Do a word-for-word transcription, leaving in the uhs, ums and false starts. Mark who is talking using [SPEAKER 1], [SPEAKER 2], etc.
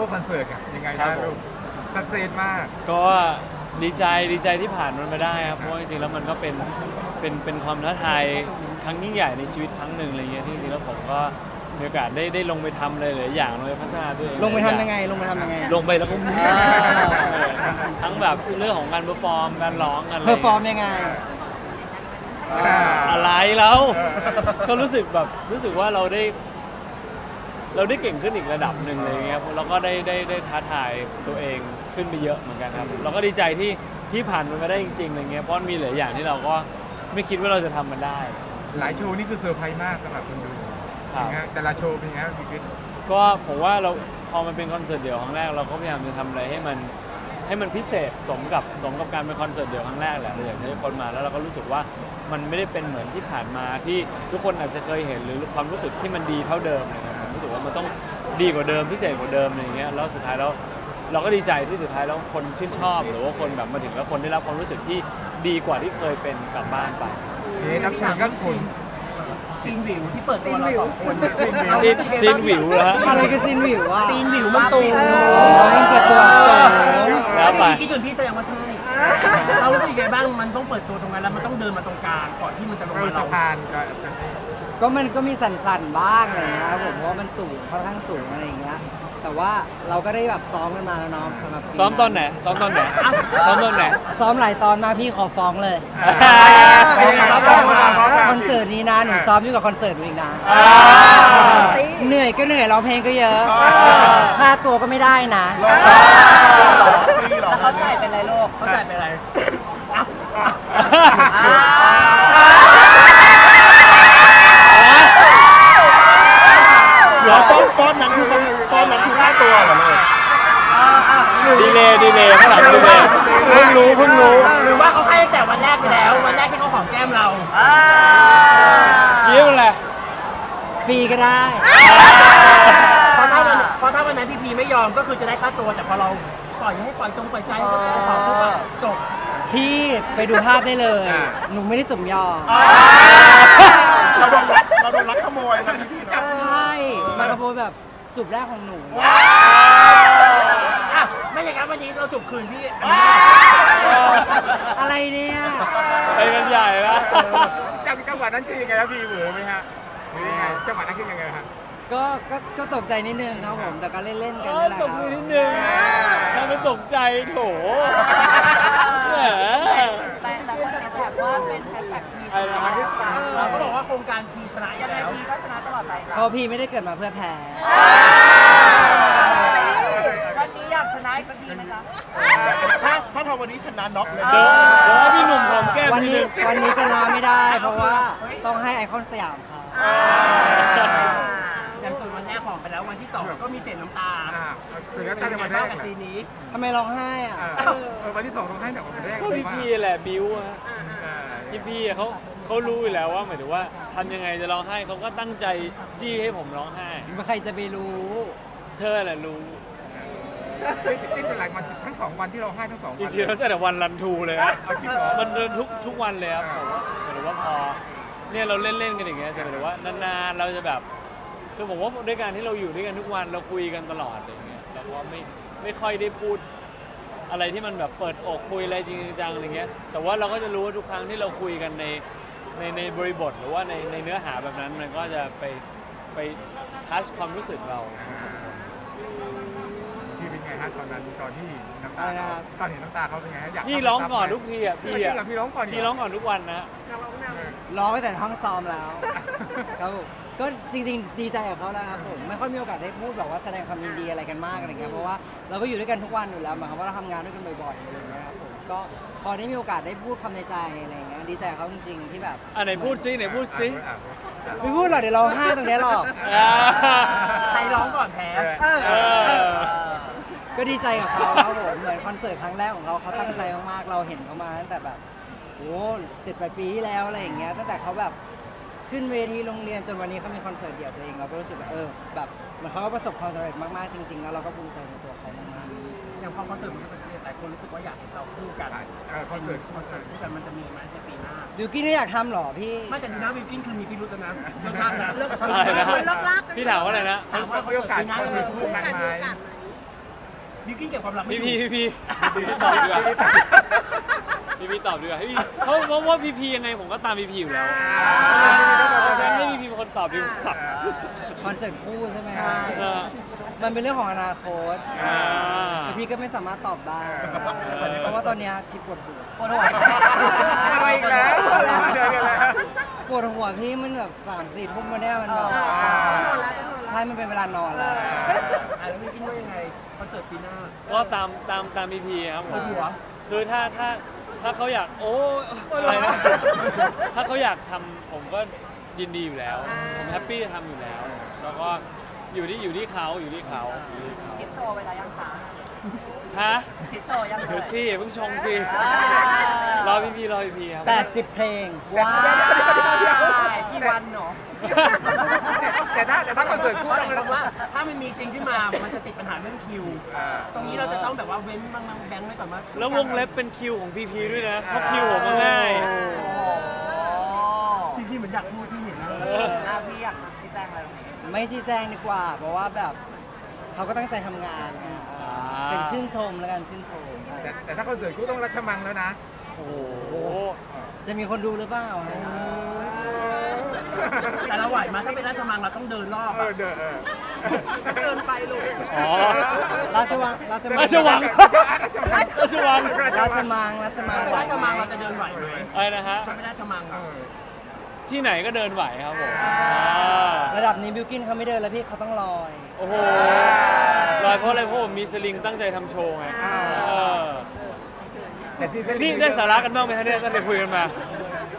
[SPEAKER 1] วกคอนเสิร์ตอะยังไงบ้างลูกสักเซสมาก
[SPEAKER 2] ก็ดีใจดีใจที่ผ่านมันมาได้ครับเพราะว่าจริงๆแล้วมันก็เป็นเป็นเป็นความท้าทายครั้งยิ่งใหญ่ในชีวิตครั้งหนึ่งอะไรเงี้ยที่จริงๆแล้วผมก็มีโอกาสได้ได้ลงไปทำเลยหลายอย่างลงไปพัฒนาตัวเอง
[SPEAKER 3] ลงไปทำยังไงลงไปทำยังไง
[SPEAKER 2] ลงไปแล้วก็ทั้งแบบเรื่องของการเพอร์ฟอร์มการร้องกัน
[SPEAKER 3] เพอร์ฟอร์มยังไง
[SPEAKER 2] อะไรแล้วก็รู้สึกแบบรู้สึกว่าเราได้เราได้เก่งขึ้นอีกระดับหนึ่งเลยเงี้ยแล้วก็ได้ได้ได้ท้าทายตัวเองขึ้นไปเยอะเหมือนกันครับเราก็ดีใจที่ที่ผ่านมันมาได้จริงๆอะไรเงี้ยเพราะมีหลายอย่างที่เราก็ไม่คิดว่าเราจะทำมันได้
[SPEAKER 1] หลายโชว์นี่คือเซอร์ไพรส์มากสำหรับคนดูแต่ละโชว์เป็นไงพี่กิ๊ก
[SPEAKER 2] ก็ผมว่าเราพอมันเป็นคอนเสิร์ตเดี่ยวครั้งแรกเราก็พยายามจะทำอะไรให้มันให้มันพิเศษสมกับสมกับการเป็นคอนเสิร์ตเดี่ยวครั้งแรกแหละเราอยากให้คนมาแล้วเราก็รู้สึกว่ามันไม่ได้เป็นเหมือนที่ผ่านมาที่ทุกคนอาจจะเคยเห็นหรือความรู้สึกที่มันดีเท่าเดิมนะครับผมรู้สึกว่ามันต้องดีกว่าเดิมพิเศษกว่าเดิมอะไรอย่างเงี้ยแล้วสุดท้ายแล้วเราก็ดีใจที่สุดท้ายแล้วคนชื่นชอบหรือว่าคนแบบมาถึงแล้วคนได้รับความรู้สึกที่ดีกว่าที่เคยเป็นกลับบ้านไป
[SPEAKER 1] เฮ้ยนับฉากก็คุณ
[SPEAKER 4] ซีนวิวที่เปิดตัวเราสองคน
[SPEAKER 2] ซีนวิวเหรอฮะ
[SPEAKER 3] อะไรคือซีนวิวอ่ะ
[SPEAKER 4] ซีนวิวมันตูม
[SPEAKER 3] มันเปิดตัว
[SPEAKER 2] แล้วไป
[SPEAKER 4] คิดเหมือนพี่แสดงว่าใช่เรารู้สึกไงบ้างมันต้องเปิดตัวตรงนั้นแล้วมันต้องเดินมาตรงกลางก่อนที่มันจะลงมาเรา
[SPEAKER 3] ก็มันก็มีสั่นๆบ้างอะไรเงี้ยครับผมเพราะว่ามันสูงค่อนข้างสูงอะไรอย่างเงี้ยแต่ว่าเราก็ได้แบบซ้อมกันมาแล้วน้องสำหรับ
[SPEAKER 2] ซ้อมตอนไหนซ้อมตอนไหนซ้อมตอนไหน
[SPEAKER 3] ซ้อมหลายตอนมาพี่ขอฟ้องเลยคอนเสิร์ตนี้นะหนูซ้อมอยู่กับคอนเสิร์ตอีกนะเหนื่อยก็เหนื่อยร้องเพลงก็เยอะค่าตัวก็ไม่ได้นะ
[SPEAKER 4] เขาจ่ายเป็นไรโลกเขาจ่ายเป็นไร
[SPEAKER 1] เดี๋ยวฟ้อนฟ้อนนั้นคือฟ้อนนั้นคือค่าตัวเหรอเลย
[SPEAKER 2] ดีเลยดีเลยข้างหลังดีเลยเพิ่งรู้เพิ่งรู้
[SPEAKER 4] หรือว่าเขาให้แต่วันแรกไปแล้ววันแรกที่เขาหอมแก้มเรา
[SPEAKER 2] ยิ้มอะไร
[SPEAKER 3] ฟรีก็ได้
[SPEAKER 4] เพราะถ้าวันเพราะถ้าวันนั้นพี่พีไม่ยอมก็คือจะได้ค่าตัวแต่พอเราปล่อยให้ปล่อยจงปล่อยใจขอพูดว่าจบ
[SPEAKER 3] พี่ไปดูภาพได้เลยหนูไม่ได้สมยอม
[SPEAKER 1] เราโดนรักเราโดนรักขโมยนะพี่นะ
[SPEAKER 3] ใช่มาขโมยแบบจุบแรกของหนู
[SPEAKER 4] ไม่อย่างนั้นวันนี้เราจุบคืนพี่
[SPEAKER 3] อะไรเนี่ย
[SPEAKER 2] ไปกันใหญ่ละ
[SPEAKER 1] จังหวะนั้นคือยังไงครับพี่เหวอไหมฮะหรือยังไงจังหวะนั้นคือยังไงครับ
[SPEAKER 3] ก็ก็ก็ตกใจนิดนึงครับผมแต่ก็เล่นๆกันนี่แหละครับ
[SPEAKER 2] ตกใจนิดนึงถ้าไม่ตกใจโถ
[SPEAKER 5] แต่แต่คนจะแบบว่าเป็นแฮชแท็กพีชนะ
[SPEAKER 4] เราก็บอกว่าโครงการพีชนะ
[SPEAKER 5] ยังไงพีก็ชนะตลอดไป
[SPEAKER 3] เพราะพีไม่ได้เกิดมาเพื่อแพ้
[SPEAKER 5] วันนี้อยากชนะอีกสักทีไหมคะ
[SPEAKER 1] ถ้าถ้าทำวันนี้ชนะน็อกเลย
[SPEAKER 2] เดี๋ยวพี่หนุ่มหอมแก้ม
[SPEAKER 3] วันนี้วันนี้ชนะไม่ได้เพราะว่าต้องให้ไอคอนสยามเขา
[SPEAKER 4] อย่างส่วนวันแรกหอมไปแล้ววันที่สองก็มีเศษน้ำตา
[SPEAKER 1] เศษน้ำตาในวันแรก
[SPEAKER 4] กับซีนี้
[SPEAKER 3] ทำไมร้องไห้อ่ะ
[SPEAKER 1] วันที่สองร้องไห้จากวันแรก
[SPEAKER 2] ก็พี่พีแหละบิวอะพี่พีเขาเขารู้อยู่แล้วว่าหมายถึงว่าทำยังไงจะร้องไห้เขาก็ตั้งใจจี้ให้ผมร้องไห้
[SPEAKER 3] ใครจะไปรู้
[SPEAKER 2] เธอแหละรู้
[SPEAKER 1] ที่เป็นหลายวันทั้งสองวันที่เราให้ทั้งสองวัน
[SPEAKER 2] จริงๆแล้วแต่วันรันทูเลยครับมันเดินทุกทุกวันเลยครับผมว่าหรือว่าพอเนี่ยเราเล่นๆกันอย่างเงี้ยแต่หมายถึงว่านานๆเราจะแบบคือผมว่าด้วยการที่เราอยู่ด้วยกันทุกวันเราคุยกันตลอดอย่างเงี้ยเราก็ไม่ไม่ค่อยได้พูดอะไรที่มันแบบเปิดอกคุยอะไรจริงจังอะไรเงี้ยแต่ว่าเราก็จะรู้ว่าทุกครั้งที่เราคุยกันในในในบริบทหรือว่าในในเนื้อหาแบบนั้นมันก็จะไปไปทัชความรู้สึกเรา
[SPEAKER 1] พี่เป็นไงฮะตอนนั้นตอนที่น้ำตาตอนเห็นน้ำตาเขาเป็นไงฮะอยาก
[SPEAKER 2] พี่ร้องก่อนทุกทีอ่ะพี่อ่ะ
[SPEAKER 1] พี่ร้องก่อน
[SPEAKER 2] พี่ร้องก่อนทุกวันนะ
[SPEAKER 3] ร้องตั้งแต่ห้องซ้อมแล้วครับผมก็จริงๆดีใจกับเขาแล้วครับผมไม่ค่อยมีโอกาสได้พูดแบบว่าแสดงความยินดีอะไรกันมากอะไรเงี้ยเพราะว่าเราก็อยู่ด้วยกันทุกวันอยู่แล้วหมายความว่าเราทำงานด้วยกันบ่อยๆอะไรเงี้ยครับผมก็พอได้มีโอกาสได้พูดคำในใจอะไรเงี้ยดีใจกับเขาจริงๆที่แบบ
[SPEAKER 2] อ่ะไหนพูดซิไหนพูดซิ
[SPEAKER 3] ไม่พูดหรอกเดี๋ยวเราห้าตรงนี้หรอก
[SPEAKER 4] ใครร้องก่อนแพ้
[SPEAKER 3] ก็ดีใจกับเขาครับผมเหมือนคอนเสิร์ตครั้งแรกของเขาเขาตั้งใจมากๆเราเห็นเขามาตั้งแต่แบบโอ้เจ็ดแปดปีที่แล้วอะไรอย่างเงี้ยตั้งแต่เขาแบบขึ้นเวทีโรงเรียนจนวันนี้เขามีคอนเสิร์ตเดี่ยวตัวเองเราก็รู้สึกแบบเออแบบเหมือนเขาก็ประสบความสำเร็จมากๆจริงๆแล้วเราก็ภูมิใจในตัวเขามาก
[SPEAKER 4] ๆอย่างพอคอนเสิร์ตมันประสบความสำเร็จหลายคนรู้สึกว่าอยากเห็นเราคู่กัน
[SPEAKER 1] คอนเสิร์ต
[SPEAKER 4] คอนเสิร์ตคู่กันมันจะมีไหมในปีหน้า
[SPEAKER 3] บิวกิ้นไม่อยากทำหรอพี่
[SPEAKER 4] ไม่แต่ดูนะบิวกิ้นคือมีพิรุธนะเลิกลากนะ
[SPEAKER 2] เลิกลากพี่ถามว่าอะไรนะ
[SPEAKER 1] ถามว่าเขาโอกาสเขามีคู่กันไหม
[SPEAKER 4] บิวกิ้นเก็บความลับไม่
[SPEAKER 2] พี่
[SPEAKER 4] อยู่
[SPEAKER 2] พีพี่พีตอบดีกว่าพี่พีตอบดีกว่าให้พี่เพราะเพราะว่าพี่พียังไงผมก็ตามพี่พีอยู่แล้วให้พี่พีเป็นคนตอบดีกว่า
[SPEAKER 3] คอนเสิร์ตคู่ใช่ไหมค
[SPEAKER 4] ใช่
[SPEAKER 3] รับ
[SPEAKER 2] เออ
[SPEAKER 3] มันเป็นเรื่องของอนาคต
[SPEAKER 2] อ่า
[SPEAKER 3] แต่พี่ก็ไม่สามารถตอบได้ เพราะว่าตอนเนี้ยพี่ปวดหัวปวดหัว
[SPEAKER 1] อะไรอีกแล้วเจอกันแล้ว
[SPEAKER 3] ปวดหัวพี่มันแบบสามสี่ทุ่มมาเนี่ยมันแบบ
[SPEAKER 1] อ่า
[SPEAKER 3] ใช่มันเป็นเวลานอนแล้ว
[SPEAKER 4] อ่ะแล้วบิวกิ้นว่ายังไงคอนเสิร์ตปีหน้า
[SPEAKER 2] ก็ตามตามตามพี่พีครับผม
[SPEAKER 4] ปวดหัว
[SPEAKER 2] คือถ้าถ้าถ้าเขาอยากโอ้อะไรนะถ้าเขาอยากทำผมก็ยินดีอยู่แล้ว ผมแฮปปี้จะทำอยู่แล้ว แล้วก็อยู่ที่อยู่ที่เขาอยู่ที่เขาอยู่ที่เขา
[SPEAKER 5] คิดโชว์ไปแล้วยังคะ
[SPEAKER 2] ฮะ
[SPEAKER 5] คิดโชว์ยัง
[SPEAKER 2] เดี๋ยวสิเพิ่งชงสิ
[SPEAKER 5] อ่าร
[SPEAKER 2] อพี่พีรอพี่พีครับ
[SPEAKER 3] แปดสิบเพลง
[SPEAKER 5] ว้าวกี่วันเนาะ
[SPEAKER 1] แต่ถ้าแต่ถ้าคอนเสิร์ตคู่
[SPEAKER 4] เพราะ
[SPEAKER 1] ต้อง
[SPEAKER 4] คำว่าถ้ามันมีจริงขึ้นมา มันจะติดปัญหาเรื่องคิว ตรงนี้เราจะต้องแบบว่าเว้นบางๆแบงค์ไว้ก่อนว่า
[SPEAKER 2] แล้ววงเล็บเป็นคิวของพีพีด้วยนะเพราะคิวผมก็ง่าย
[SPEAKER 5] โอ้
[SPEAKER 4] พี่พี่เหมือนอยากพูดพี่เห็นนะ
[SPEAKER 5] เอออ่ะพี่อยากชี้แจงอะไรตรงนี้
[SPEAKER 3] ไม่ชี้แจงดีกว่า เพราะว่าแบบเขาก็ตั้งใจทำงานไงเออเป็นชื่นชมแล้วกันชื่นชม
[SPEAKER 1] แต่แต่ถ้าคอนเสิร์ตคู่ต้องรัชมังแล้วนะ
[SPEAKER 2] โอ้โห
[SPEAKER 3] จะมีคนดูหรือเปล่าฮะ
[SPEAKER 4] แต่เราไหวไหมาถ้าเป็นราชมังเราต้องเดินรอบ
[SPEAKER 1] เอ
[SPEAKER 4] อะ
[SPEAKER 1] อเด้อเออ
[SPEAKER 5] เกินไปลูก
[SPEAKER 2] อ๋อ
[SPEAKER 3] ราชวังราชมัง
[SPEAKER 2] ราชวัง ราชวัง
[SPEAKER 3] ราชมังราชมังไหว
[SPEAKER 4] ราช
[SPEAKER 3] ไหม
[SPEAKER 4] มังเราจะเดินไหวไหม
[SPEAKER 2] อะไรนะฮะ
[SPEAKER 4] ถ้าเป็นราชมัง
[SPEAKER 1] เอ
[SPEAKER 4] อะ
[SPEAKER 1] อ
[SPEAKER 2] ที่ไหนก็เดินไหวครับผม
[SPEAKER 3] ระดับนี้บิวกินเขาไม่เดินแล้วพี่เขาต้องลอย
[SPEAKER 2] โอ้โหลอยเพราะอะไรเพราะผมมีสลิงตั้งใจทำโชว์ไงเออ
[SPEAKER 1] แต่ที่
[SPEAKER 2] นี่ได้สาระกันบ้างไหมฮะเนี่ยตั้งแต่คุยกันมา
[SPEAKER 1] ไ